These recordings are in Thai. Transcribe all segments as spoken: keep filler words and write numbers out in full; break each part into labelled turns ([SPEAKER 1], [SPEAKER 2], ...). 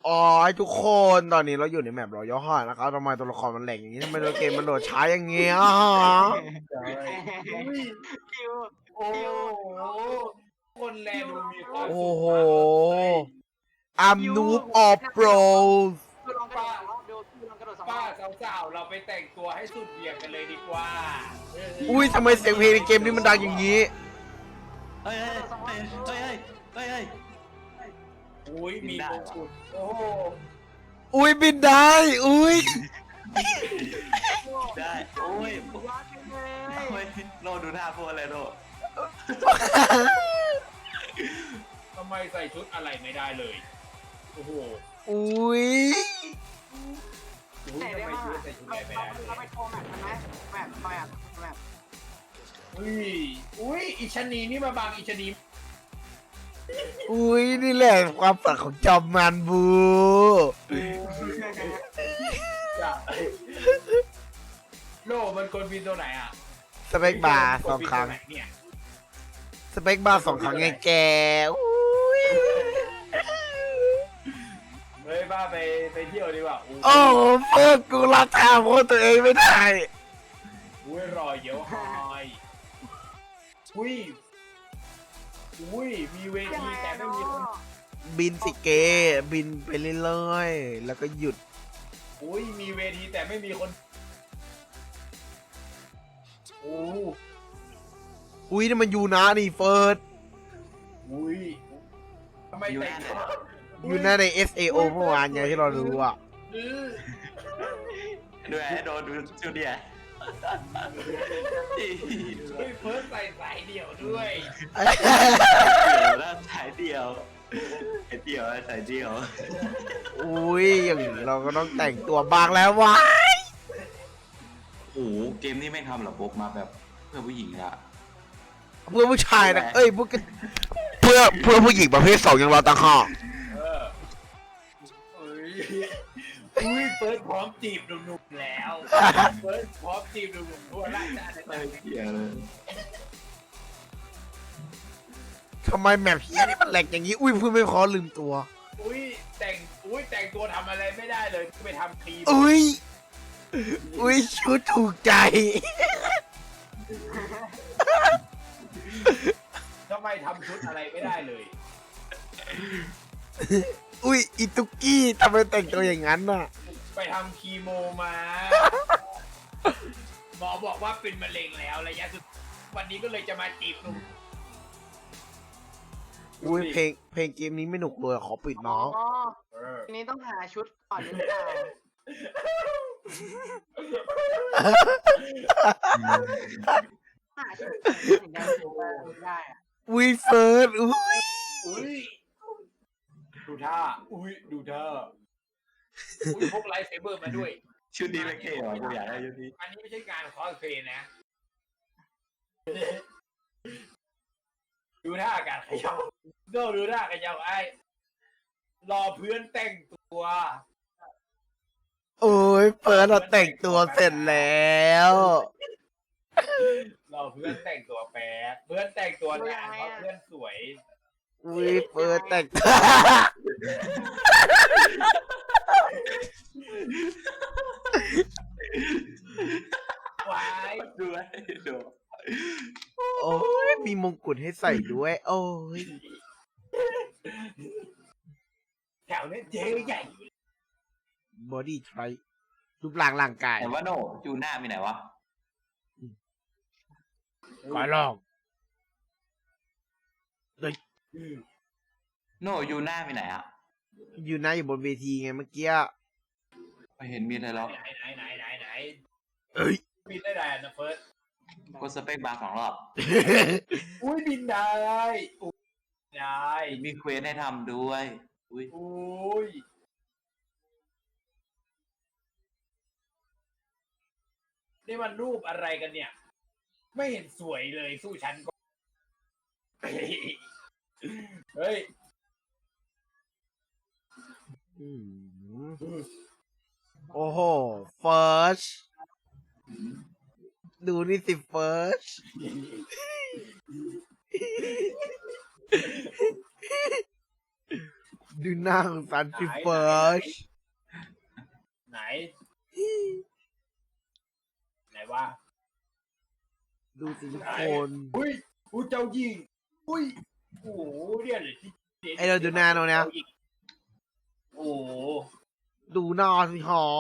[SPEAKER 1] อ๋อทุกคนตอนนี้เราอยู่ในแมปรอยัลฮอร์นะครับทำไมตัวละครมันแหลกอย่างนี้ทำไมตัวเกมมันโหลดช้าอย่างเงี้ย
[SPEAKER 2] อุ้ย
[SPEAKER 3] คิว
[SPEAKER 2] โอ้โหคนแลดูมีความ
[SPEAKER 1] โอ้
[SPEAKER 2] สุข
[SPEAKER 1] โห
[SPEAKER 2] มากเลย
[SPEAKER 1] I'm noob of pros
[SPEAKER 3] ดูลองกระโดดสองรอบดูดูลองกระโดดสองร
[SPEAKER 2] ป้า
[SPEAKER 3] อบ
[SPEAKER 2] สาวๆเราไปแต่งตัวให้สุดเหวี่ยงกันเลยดีกว่า
[SPEAKER 1] อุ้ยทำไมเสียงเพลงในเกมนี้มันดังอย่างนี้
[SPEAKER 4] เฮ้ยเฮ้ยเฮ้ยเฮ้ยเฮ้ยเฮ้ย
[SPEAKER 2] อุ้ยมีมงกุฎโอ้โห
[SPEAKER 1] อุ้ยบินได้ อุ้ย
[SPEAKER 4] ได้โอ้ย
[SPEAKER 3] ว้าไปเลย
[SPEAKER 4] โอ้ยโลดูท่าพวกอะไรโล
[SPEAKER 2] ทำไมใส่ชุดอะไรไม่ได้เลยโอ้โห
[SPEAKER 1] อุ้ย
[SPEAKER 2] อุ้ย
[SPEAKER 3] ไหน
[SPEAKER 2] ทำ
[SPEAKER 3] ได้
[SPEAKER 2] ไม
[SPEAKER 3] บ้าง
[SPEAKER 2] ชุดใส่ชุดอะไรไม่
[SPEAKER 3] เรา
[SPEAKER 2] ได้เล
[SPEAKER 3] เราไป
[SPEAKER 2] ย
[SPEAKER 3] โชว์แมปกันไหมแมปแมปแมป
[SPEAKER 2] อุ้ยอุ้ยอิชะนีนี่มาบังอิชะนี
[SPEAKER 1] อุ้ยนี่แหละความฝันของจอมมันบู
[SPEAKER 2] จ้ะโลมันกดบินตัวไหนอ่ะ
[SPEAKER 1] สเปคบาร์สองครั้ง
[SPEAKER 2] กดบินตัวไหนเนี่ย
[SPEAKER 1] สเปคบาร์สองครั้งไงแกอุ้ย
[SPEAKER 2] เฮ้ยบ้าไปไปเที่ยวดีกว่าอู้
[SPEAKER 1] โอ้โหเพื่อนกูรับทางโพสตัวเองไม่ได้
[SPEAKER 2] อุ้ยรอยเยอะหอยอุ้ยอุ้ยมีเว
[SPEAKER 3] ยัง
[SPEAKER 2] ที
[SPEAKER 3] ไง
[SPEAKER 2] แต่
[SPEAKER 3] อะ
[SPEAKER 2] ไม่
[SPEAKER 3] เนาะ
[SPEAKER 2] มีคน
[SPEAKER 1] บินสิเก บินไปเรื่อยๆ แล้วก็หยุด
[SPEAKER 2] อุ้ยมีเวทีแต่ไม่มีคนโอ้
[SPEAKER 1] อุ้ยนี่มันยูนะนี่เฟิร์ส
[SPEAKER 2] อุ้ยทำไมแต่งตัว
[SPEAKER 1] ยูนะใน เอส เอ โอ เมื่อวานไงที่เรารู้อ่ะ
[SPEAKER 2] อื้อ
[SPEAKER 4] ดูไอ้โดดูชุดเดีย
[SPEAKER 2] เฮ้ยเฟิร์สใส่สายเดี่ยวด้วย
[SPEAKER 4] เดี๋ยวแล้วสายเดียวไอ้เดียวสายเดียว
[SPEAKER 1] อุ้ยอย่างนี้เราก็ต้องแต่งตัวบางแล้ววะ
[SPEAKER 4] โอ้โหเกมนี้ไม่ทำหรอปุ๊บมาแบบเพื่อผู้หญิงอะ
[SPEAKER 1] เพื่อผู้ชายนะเอ้ยพวกกันเพื่อเพื่อผู้หญิงประเภทสองยังรอตังหอก
[SPEAKER 2] เอออุ้ยอุ้ยเฟิร์สพร้อมจีบหนุ่มๆแล้วเฟิร์สพร้อมจีบหนุ่มๆทั่วราชอาณา
[SPEAKER 4] ไอ้
[SPEAKER 2] จักร
[SPEAKER 4] เดียวเลย
[SPEAKER 1] ทำไมแมพเฮียนี่มันแหลกอย่างนี้ อุ้ยพูดไม่พอลืมตัว
[SPEAKER 2] อุ้ยแต่งอุ้ยแต่งตัวทำอะไรไม่ได้เลยไปทำครีม
[SPEAKER 1] อุ้ย อุ้ยชุดถูกใจ
[SPEAKER 2] ทำไมทำชุดอะไรไม่ได้เลย
[SPEAKER 1] อุ้ยอีตุกกี้ทำไมแต่งตัวอย่างนั้นน่ะ
[SPEAKER 2] ไปทำคีโมมา หมอบอกว่าเป็นมะเร็งแล้วระยะสุดวันนี้ก็เลยจะมาจีบหนุ่ม
[SPEAKER 1] อุ้ยเพลงเพลงเกมนี้ไม่หนุกเลยขอปิด
[SPEAKER 3] อ๋อ
[SPEAKER 1] น้อง
[SPEAKER 2] เออ
[SPEAKER 3] ทีนี้ต้องหาชุดก่อนหรือเปล่าหาชุดถึงจะถูกได้อะ
[SPEAKER 1] อุ้ยเฟิร์สอุ้ย
[SPEAKER 2] อุ้ยดูท่าอุ้ยดูท่าอุ้ยพกไลท์เซเบอร์มาด้วย
[SPEAKER 4] ชุดนี้ไม่เท่หรอกูอยากได้ชุดนี้
[SPEAKER 2] อันนี้ไม่ใช่การคอสเพลย์นะ ดูท่าการขยับก็ดูท่าขยับไอ้รอเพื่อนแต่งตัว
[SPEAKER 1] โอ้ยเฟิร์สเราแต่งตัวเสร็จแล้ว
[SPEAKER 2] รอเพื่อนแต่งตัวแป๊บเพื่อนแต่งตัวนานเพราะเพื่อนสวย
[SPEAKER 1] อุ้ยเฟิร์สแต่ง
[SPEAKER 2] วาย
[SPEAKER 4] ดูไอ้ดู
[SPEAKER 1] โอ้ยมีมงกุฎให้ใส่ด้วย โอ้ย
[SPEAKER 2] แถวนี้เจ๊ใหญ่
[SPEAKER 1] บอดี้ไทรรูปร่างร่างกาย
[SPEAKER 4] แต่ว่าโนจูหน้ามีไหนวะ
[SPEAKER 1] ขอลอง
[SPEAKER 4] โนยูหน้ามีไหนอะ
[SPEAKER 1] อยู่นะอยู่บนเวทีไงเมื่อกี้
[SPEAKER 4] ไม่เห็นมีอะไรหรอก
[SPEAKER 2] ไหนไหนไหนไหนไหน
[SPEAKER 1] เอ้ย
[SPEAKER 2] บินได้ได้นะเฟิร์ส
[SPEAKER 4] กดสเปคบาร์สองรอบ
[SPEAKER 2] อุ้ยบินได้อุ้ยได้
[SPEAKER 4] มีเควสให้ทำด้วย อุ้ย
[SPEAKER 2] อุ้ยนี่มันรูปอะไรกันเนี่ย ไม่เห็นสวยเลยสู้ฉันก็ เฮ้ย
[SPEAKER 1] อืมโอ้โห เฟิร์ส ดูนี่สิเฟิร์สดูหน้าของซันฟิเฟิร์ส
[SPEAKER 2] ไหน ไหนวะ
[SPEAKER 1] ดูสิทุก
[SPEAKER 2] ไหน
[SPEAKER 1] คน
[SPEAKER 2] อุ้ยอุ้ยเจ้าหญิงอุ้ยโอ้โหเนี่ยเลยที่
[SPEAKER 1] ไอเราดูหน้าเราเนี่ย
[SPEAKER 2] โอ้โห
[SPEAKER 1] ดูหน้าสิหอ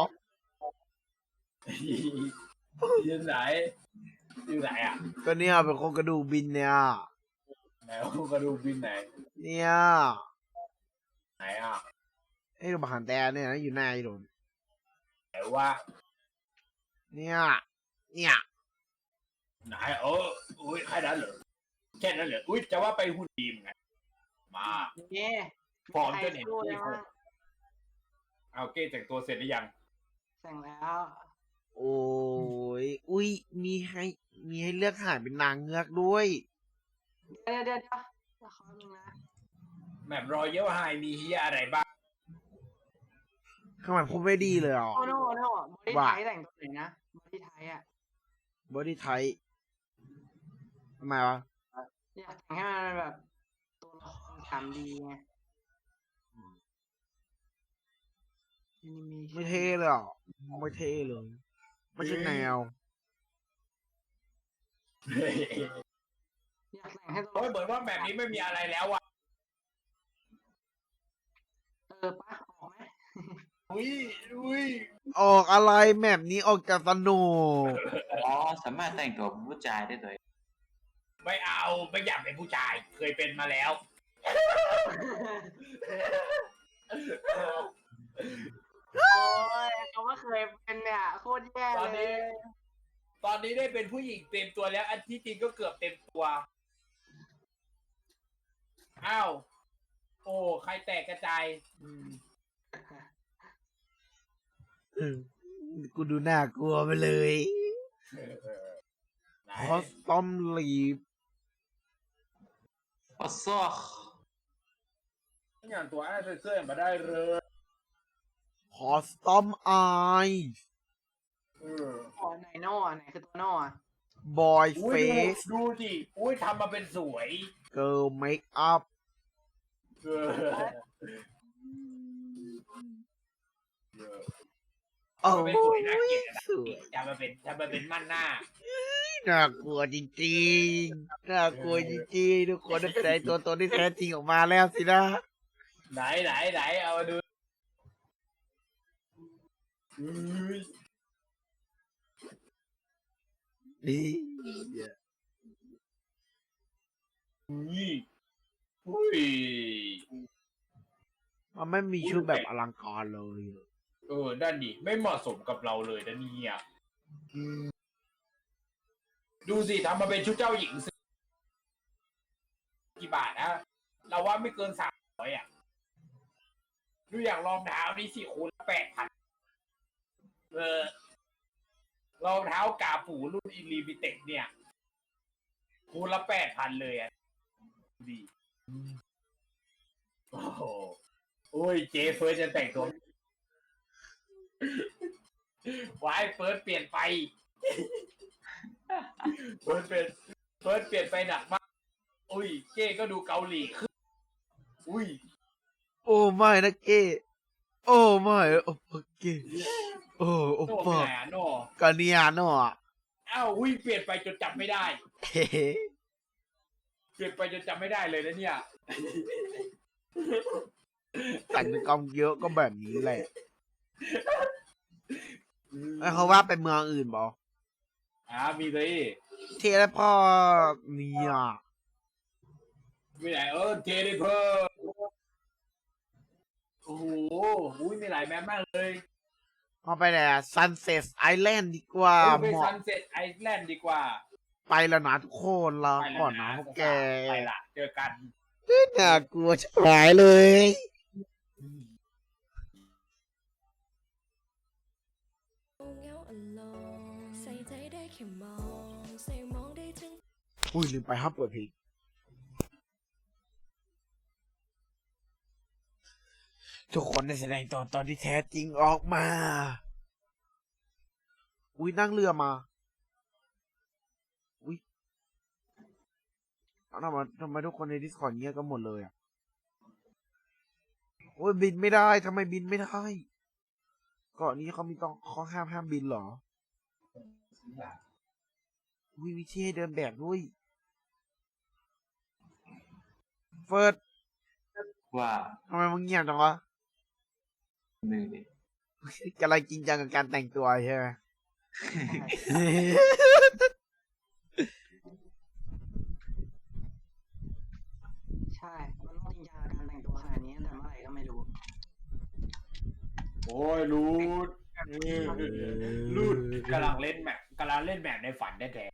[SPEAKER 2] อยู่ไหนอยู่ไหนอ่ะ
[SPEAKER 1] ก็เนี่ยเป็นคนกระดูกบินเนี่ย
[SPEAKER 2] ไหนกระดูกบินไหน
[SPEAKER 1] เนี่ย
[SPEAKER 2] ไหนอ่ะ
[SPEAKER 1] ไอ้ดูบหันแต่เนี่ยนะอยู่หน้าไอ้โดน
[SPEAKER 2] ไหนวะ
[SPEAKER 1] เนี่ย เนี่ย
[SPEAKER 2] ไหนเอออุ้ยแค่นั้นเหรอแค่นั้นเหรออุ้ยจะว่าไปหุ่นดีมไงมา
[SPEAKER 3] เนี่ย
[SPEAKER 2] พร้อมจะเห็น
[SPEAKER 3] ใครสู้เลยว่า
[SPEAKER 2] เอาเก้แต่งตัวเสร็จหรือยัง
[SPEAKER 3] สั่งแล้ว
[SPEAKER 1] โอ้ย อุ้ย มีให้ มีให้เลือกหาเป็นนางเงือกด้วย
[SPEAKER 3] เดี๋ยวเดี๋ยวเดี๋ยวเดี๋ยวขอดูนะ
[SPEAKER 2] แมปรอเยลไฮมีเฮียอะไรบ้าง
[SPEAKER 1] ทำไมพูดไม่ดีเลยอ่ะ
[SPEAKER 3] โอ้โนโน่บอดี้
[SPEAKER 1] ว่า
[SPEAKER 3] ไทยแต่งตัวไหนนะบอดี้ไทยอ่ะ
[SPEAKER 1] บอดี้ไทป์ทำไมวะ
[SPEAKER 3] อยากแต่งให้มันแบบตัวละครสามดีไง
[SPEAKER 1] ไม่เท่เลยอ่ะ ไม่เท่เลย ไม่ใช่แนว
[SPEAKER 3] อยากแต่งให้ตัว
[SPEAKER 2] โอ้ยเหมือนว่าแมปนี้ไม่มีอะไรแล้วอ่ะ
[SPEAKER 3] เออปะออกไหม
[SPEAKER 2] อุ้ยอุ้ย
[SPEAKER 1] ออกอะไรแมปนี้ออกจากสนุก
[SPEAKER 4] อ๋อสามารถแต่งตัวเป็นผู้ชายได้เลย
[SPEAKER 2] ไม่เอาไม่อยากเป็นผู้ชาย เคยเป็นมาแล้ว
[SPEAKER 3] โอ้ยเขาว่าเคยเป็นเนี่ยโคตรแย่
[SPEAKER 2] ตอน
[SPEAKER 3] เล
[SPEAKER 2] นี้
[SPEAKER 3] ย
[SPEAKER 2] ตอนนี้ได้เป็นผู้หญิงเต็มตัวแล้ว อันที่จริงก็เกือบเต็มตัว อ้าว โอ้ ใครแตกกระจายอืม
[SPEAKER 1] กูดูน่ากลัวไปเลย
[SPEAKER 2] ไหน
[SPEAKER 1] คอสตอมลีฟ
[SPEAKER 4] โอ้ซอก
[SPEAKER 2] อย่างตัวไอ้เสื้อมาได้เลย
[SPEAKER 1] คอสตอมไอ
[SPEAKER 2] เออ
[SPEAKER 3] อ๋อไหนโน่อะไหนคือตัวโน่อะ
[SPEAKER 1] บอย
[SPEAKER 2] อุ้
[SPEAKER 1] เฟ
[SPEAKER 2] ยดู
[SPEAKER 1] ส
[SPEAKER 2] ดูดิอุ้ยทำมาเป็นสวย
[SPEAKER 1] เกิร์ลเมคอัพ
[SPEAKER 2] เออเออ
[SPEAKER 1] โอ้
[SPEAKER 2] ทำมาเป็นสวยน่าเกลียด
[SPEAKER 1] ย
[SPEAKER 2] นะ
[SPEAKER 1] สวย
[SPEAKER 2] ทำมาเป็นทำมาเป็นมั่นหน้า
[SPEAKER 1] น่ากลัวจริงๆ น่ากลัวจริงๆ ทุกคนได้แสดงตัวตนที่แท้จริงออกมาแล้วสินะ
[SPEAKER 2] ไหนไหนไหนเอามาดูอุ้ย
[SPEAKER 1] นี่
[SPEAKER 2] อุ้ยอุ้ย
[SPEAKER 1] มันไม่มีชุดแบบอลังการเลย
[SPEAKER 2] เออด้านดิไม่เหมาะสมกับเราเลยนะเนี่ยดูสิทำมาเป็นชุดเจ้าหญิงสิกี่บาทนะเราว่าไม่เกินสามร้อยอ่ะดูอย่างรองเท้านี่สิคูณแปดพันเออรองเท้ากาปูรุ่นอิลิมิเต็ดเนี่ยคูณละแปดพันเลยอ่ะดูดีโอ้โหโอ้ยเจเฟิร์สจะแต่งตัววายเฟิร์สเปลี่ยนไปเฟิร์สเปลี่ยนเฟิร์สเปลี่ยนไปหนักมากอุ้ยเก้ก็ดูเกาหลีขึ้นอุ้ย
[SPEAKER 1] โอ้ไม่นะเก้โอ้ไม่โอ้เก้โอ้โอ้
[SPEAKER 2] โน่ไป
[SPEAKER 1] ปะ
[SPEAKER 2] ไหนอะโน่
[SPEAKER 1] กาเนียโน่อะ
[SPEAKER 2] อ้าวอุ้ยเปลี่ยนไปจนจำไม่ได้
[SPEAKER 1] เฮ้
[SPEAKER 2] เปลี่ยนไปจนจำไม่ได้เลยนะเนี่ย
[SPEAKER 1] แต่งกรรมเยอะก็แบบนี้แหละแล้วเขาว่าไปเมืองอื่นบอ
[SPEAKER 2] อ่ามีเลย
[SPEAKER 1] เทแล้วพ่อเนี่ย
[SPEAKER 2] มีไหนเออเทเลเพอร์โอ้โหอุ้ยมีหลายแมปมากเลย
[SPEAKER 1] เอาไปแหละ Sunset Island ดีกว่า
[SPEAKER 2] เอ้ยไป
[SPEAKER 1] เหมาะ
[SPEAKER 2] ซันเซ็ตไอแลนด์ดีกว่า
[SPEAKER 1] ไปแล้วนะทุกคนลา
[SPEAKER 2] ไปแล้ว
[SPEAKER 1] ก่อนนะพวกแก
[SPEAKER 2] ไปละเจอกัน
[SPEAKER 1] น่ากลัวชิบหายเลย
[SPEAKER 5] เงาอ่อนลงใส่ใจได้แค่มองใส่มองได้ถึง
[SPEAKER 1] อุ้ยลืมไปห้ามเปิดเพลงทุกคนได้แสดงตัวตอนที่แท้จริงออกมา อุ้ยนั่งเรือมา อุ้ยเอาทำไมทำไมทุกคนใน Discord เงียบกันหมดเลยอ่ะโอ้ยบินไม่ได้ทำไมบินไม่ได้เกาะนี้เขามีต้องข้อห้ามห้ามบินเหรอวิวิธีให้เดินแบบด้วยเฟิร์ส
[SPEAKER 4] ว่า
[SPEAKER 1] ทำไมมึงเงียบจังวะ
[SPEAKER 4] หนึ่งดิ
[SPEAKER 1] กำลังจริงจังกับการแต่งตัวใช่ไหม
[SPEAKER 3] ใช่มันต้องจริงจังกับการแต่งตัวขนาดนี้ตั้งแต่เมื่อไหร่ก็ไม่รู้
[SPEAKER 2] โอ้ยรูดรูดกำลังเล่นแมปกำลังเล่นแมปในฝันแท้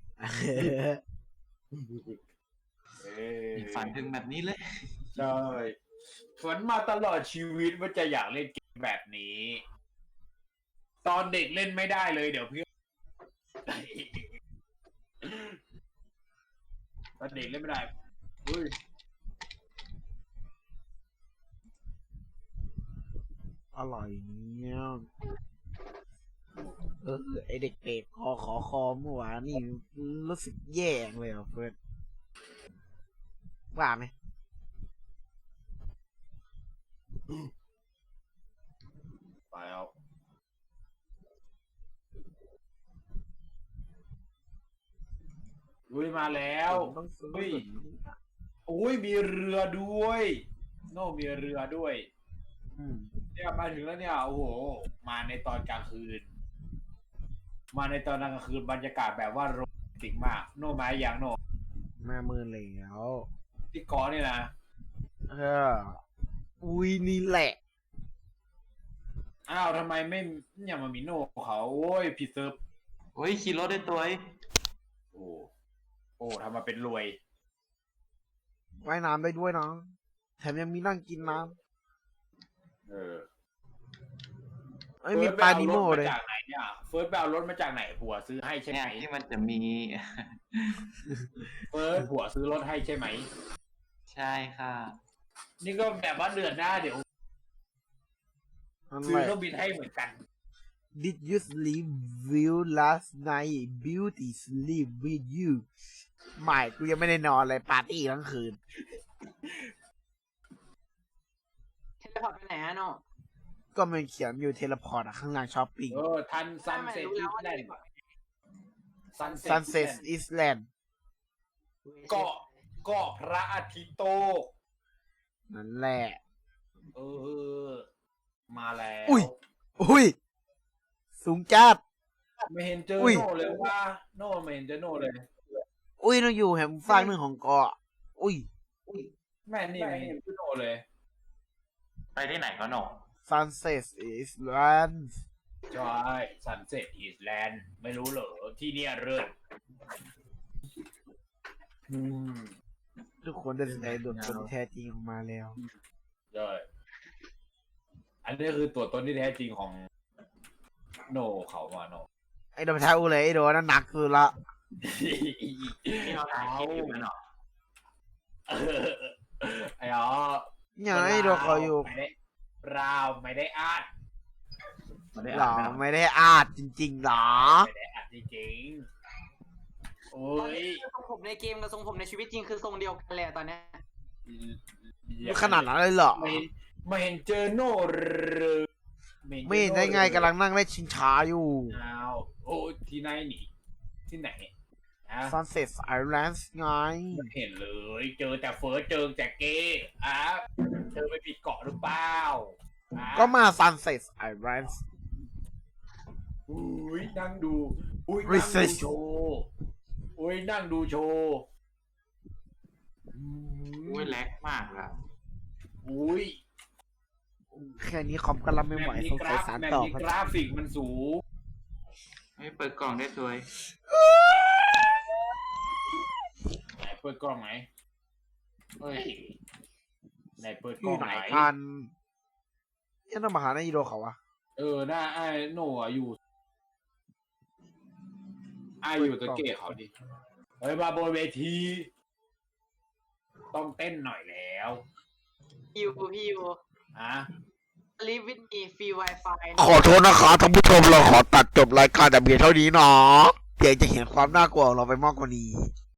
[SPEAKER 2] ๆเอ้ย
[SPEAKER 4] ฝันถึงแบบนี้เลย
[SPEAKER 2] ใช่ฝันมาตลอดชีวิตว่าจะอยากเล่นเกมแบบนี้ ตอนเด็กเล่นไม่ได้เลยเดี๋ยวเพื่อนตอนเด็กเล่นไม่ได้เฮ้ย
[SPEAKER 1] อร่อยเนี่ยเออไอเด็กเป็ดคอขอคอเมื่อวานนี่รู้สึกแย่เลยอ่ะเฟิร์สว่าไหม
[SPEAKER 2] ไปเอาลุยมาแล้ว
[SPEAKER 1] ต้องซื้อ
[SPEAKER 2] เฮ้ย โอ้ยมีเรือด้วย โน่มีเรือด้วย
[SPEAKER 1] อืม
[SPEAKER 2] เนี่ยมาถึงแล้วเนี่ยโอ้โหมาในตอนกลางคืน มาในตอนกลางคืนบรรยากาศแบบว่าโรแมนติกมาก โน่มาอย่างโน่
[SPEAKER 1] แม่มือแล้ว
[SPEAKER 2] ที่เกอนี่นะ
[SPEAKER 1] เอออุ้ยนี่แหละ
[SPEAKER 2] อ้าวทำไมไม่เนี่ยมามีโน่เขาโอ้ยผิดเซิร์ฟ
[SPEAKER 4] โอ้ยขี่รถได้ตัวไอ้
[SPEAKER 2] โอ้โอ้ทำมาเป็นรวย
[SPEAKER 1] ว่ายน้ำได้ด้วยนะแถมยังมีนั่งกินน้
[SPEAKER 2] เออ
[SPEAKER 1] ำเอ้ยมีปลานิโม
[SPEAKER 2] ฟิร์ส
[SPEAKER 1] เลย
[SPEAKER 2] ไปเอารถมาจากไหนเนี่ยเฟิร์สไปเอารถมาจากไหนผัวซื้อให้ใช่ไห
[SPEAKER 4] เนี่
[SPEAKER 2] ม
[SPEAKER 4] ยที่มันจะมี
[SPEAKER 2] เฟิร์สผัวซื้อรถให้ใช่ไหม
[SPEAKER 4] ใช่ค่ะ
[SPEAKER 2] นี่ก็แบบว่าเดือนหน้าเดี๋ยว
[SPEAKER 1] นั่น
[SPEAKER 2] ซื้
[SPEAKER 1] แห
[SPEAKER 2] อ
[SPEAKER 1] ละ
[SPEAKER 2] เครื่องบินให้เหมือนกัน
[SPEAKER 1] Did you sleep well last night Beauty sleep with you ไม่กูยังไม่ได้นอนเลยปาร์ตี้ทั้งคืน
[SPEAKER 3] เทเลพอร์ตไปไหนอะโน่
[SPEAKER 1] ก็มันเขียนอยู่เทเลพอร์ตอะข้างล่างช้อปปิ้ง
[SPEAKER 2] เออทันซัน
[SPEAKER 3] ไม่
[SPEAKER 2] เซ็ต
[SPEAKER 3] รู้
[SPEAKER 2] อี
[SPEAKER 3] แล้ว
[SPEAKER 2] ส
[SPEAKER 3] ว่า
[SPEAKER 2] แล
[SPEAKER 3] เท
[SPEAKER 2] น
[SPEAKER 3] เล
[SPEAKER 2] ด์
[SPEAKER 3] พอร์ต
[SPEAKER 2] Sunset
[SPEAKER 1] Sunset
[SPEAKER 2] Island
[SPEAKER 1] Island
[SPEAKER 2] เกาะเกาะพระอาทิตย์โตก
[SPEAKER 1] นั่นแหละ
[SPEAKER 2] เออ มาแล้ว
[SPEAKER 1] อุ้ย อุ้ย สูงจัด
[SPEAKER 2] ไม่เห็นเจอ
[SPEAKER 1] อุ้ย
[SPEAKER 2] โน่เลยว่า โน่ไม่เห็นเจอโน่เลย
[SPEAKER 1] อุ้ยเราอยู่แหมฟากหนึ่งของเกาะ อุ้ย
[SPEAKER 2] แม่นี่ไม่เห็นเจอโน่เลย
[SPEAKER 4] ไปที่ไหนก็หนอ
[SPEAKER 1] Sunset Island
[SPEAKER 2] ใช่ Sunset Island ไม่รู้เหรอ ที่เนี่ยเริ่มอืม
[SPEAKER 1] ทุกคนได้แสดงตัวตนที่แท้จริงออกมาแล้ว
[SPEAKER 2] ใช่อันนี้คือตัวตนที่แท้จริงของโน่เขามาโน่
[SPEAKER 1] ไอ้โดนท้าอูเลยไอ้โดนนั่นหนักสุดละ
[SPEAKER 4] ที่เราถ่ายคลิปอยู่กันหนอ
[SPEAKER 2] เออไอ้อ๋อ
[SPEAKER 1] อย่างไอ้โดนเขาอยู่
[SPEAKER 2] ไม่ได้เราไม่ได้อ่าน
[SPEAKER 4] ไม่ได้
[SPEAKER 1] หร
[SPEAKER 4] อ่า
[SPEAKER 1] อน
[SPEAKER 4] นะ
[SPEAKER 1] ไม่ได้อาดจริงๆหรอ
[SPEAKER 2] ไม่ได้อ่านจริงๆโอ้
[SPEAKER 3] ตอน
[SPEAKER 2] ย
[SPEAKER 3] นี้คือทรงผมในเกมกับทรงผมในชีวิตจริงคือทรงเดียวกันเลยอะตอนเนี้ย
[SPEAKER 1] ขนาดนั้นเลยเหรอ
[SPEAKER 2] ไม่เห็นไม่เห็นเจอโน่เลยเห็น
[SPEAKER 1] ไม่เห็นได้ไงกำลังนั่งเล่นชิงช้าอยู่
[SPEAKER 2] อ้าวโอ้ยที่ไหนหนีที่ไหนนะ
[SPEAKER 1] Sunset Island ไง
[SPEAKER 2] ไม่เห็นเลย เจอแต่เฟิร์สเจอแต่เก้อ่ะเธอไปผิดเกาะหรือเปล่าอ่ะ
[SPEAKER 1] ก็มา Sunset Island
[SPEAKER 2] อุ้ยนั่งดูอุ้ยนั่ง
[SPEAKER 1] Research
[SPEAKER 2] ดูโชว์อุ้ยนั่งดูโชว์อืม
[SPEAKER 4] โอ้ยแลกมากละ
[SPEAKER 2] อุ้ย
[SPEAKER 1] แค่นี้คอมก็รับไม่ไหวสงสัยสาร
[SPEAKER 2] แมป
[SPEAKER 1] ต่อ
[SPEAKER 2] นี้กราฟิกมันสูง
[SPEAKER 4] ไม่เปิดกล่องได้ตัวไอ้
[SPEAKER 2] ไหนเปิดกล้องไหนเฮ้ยไหนเปิด
[SPEAKER 1] อก
[SPEAKER 2] ล้
[SPEAKER 1] ยู่
[SPEAKER 2] อง
[SPEAKER 1] ไหน
[SPEAKER 2] ไหน
[SPEAKER 1] กันยังต้องมาหาในอีโดเขาวะ
[SPEAKER 2] เออหน้าไอ้โน่อะอยู่ไอ้อยู่ตะเกียเขาดิเฮ้ยมาบนเวที ต้องเต้นหน่อยแล้ว
[SPEAKER 3] พี่ยูพี่ยู
[SPEAKER 2] ฮะ
[SPEAKER 3] live with me free wifi
[SPEAKER 1] ขอโทษนะคะท่านผู้ชมเราขอตัดจบรายการแต่เพียงเท่านี้เนาะเพียงจะเห็นความน่ากลัวของเราไปมากกว่านี้